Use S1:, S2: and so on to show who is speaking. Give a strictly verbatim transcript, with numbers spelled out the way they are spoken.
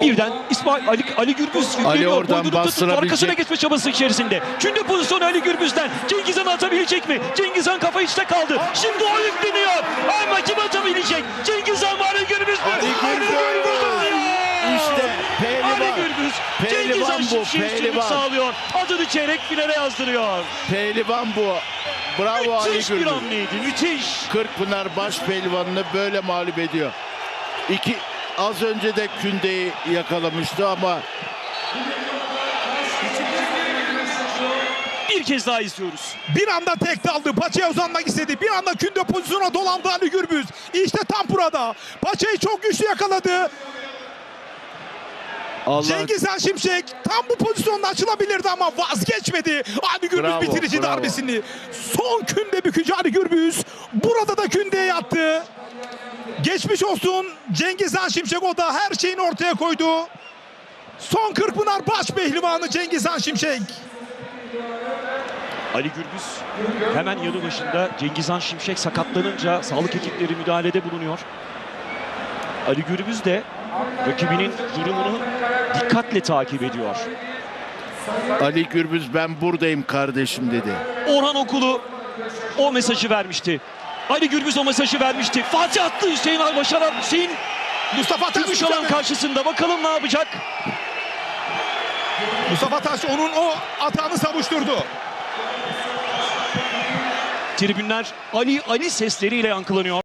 S1: Birden İsmail Ali, Ali Gürbüz
S2: Ali oradan
S1: boynunu tutup
S2: bastırabilecek.
S1: arkasına geçme çabası içerisinde. Şimdi pozisyonu Ali Gürbüz'den. Cengiz Han atabilecek mi? Cengiz Han kafa içte kaldı. Şimdi o yükleniyor. Ama kim atabilecek? Cengiz Han mı Ali Gürbüz mü?
S2: Ali Gürbüz.
S1: atıyor.
S2: İşte pehlivan.
S1: Ali Gürbüz.
S2: Pehlivan
S1: Cengiz Han
S2: bu,
S1: Şimşek'e üstünlük
S2: pehlivan.
S1: sağlıyor. Adını çeyrek finale yazdırıyor.
S2: Pehlivan bu. Bravo Ali
S1: Müthiş bir
S2: Gürbüz.
S1: hamleydi. Müthiş.
S2: Kırkpınar baş pehlivanını böyle mağlup ediyor. İki, az önce de Künde'yi yakalamıştı ama
S1: Bir kez daha izliyoruz.
S3: Bir anda tek daldı. Paçaya uzanmak istedi. Bir anda Künde pozisyona dolandı Ali Gürbüz. İşte tam burada. Paçayı çok güçlü yakaladı.
S2: Allah
S3: Cengiz Han Şimşek tam bu pozisyonda açılabilirdi ama vazgeçmedi. Ali Gürbüz
S2: Bravo,
S3: bitirici
S2: bravo.
S3: darbesini. Son Künde bükücü Ali Gürbüz. Burada da Künde'ye yattı. Geçmiş olsun Cengiz Han Şimşek, o da her şeyini ortaya koydu. Son Kırkpınar baş pehlivanı Cengiz Han Şimşek.
S1: Ali Gürbüz hemen yanı başında. Cengiz Han Şimşek sakatlanınca sağlık ekipleri müdahalede bulunuyor. Ali Gürbüz de rakibinin durumunu dikkatle takip ediyor.
S2: Ali Gürbüz ben buradayım kardeşim dedi.
S1: Orhan Okulu o mesajı vermişti. Ali Gürbüz o mesajı vermişti. Fatih attı, Hüseyin Albaşaran. Hüseyin
S3: Mustafa Taş,
S1: Gümüşalan karşısında. Bakalım ne yapacak?
S3: Mustafa Taş onun o atağını savuşturdu.
S1: Tribünler Ali Ali sesleriyle yankılanıyor.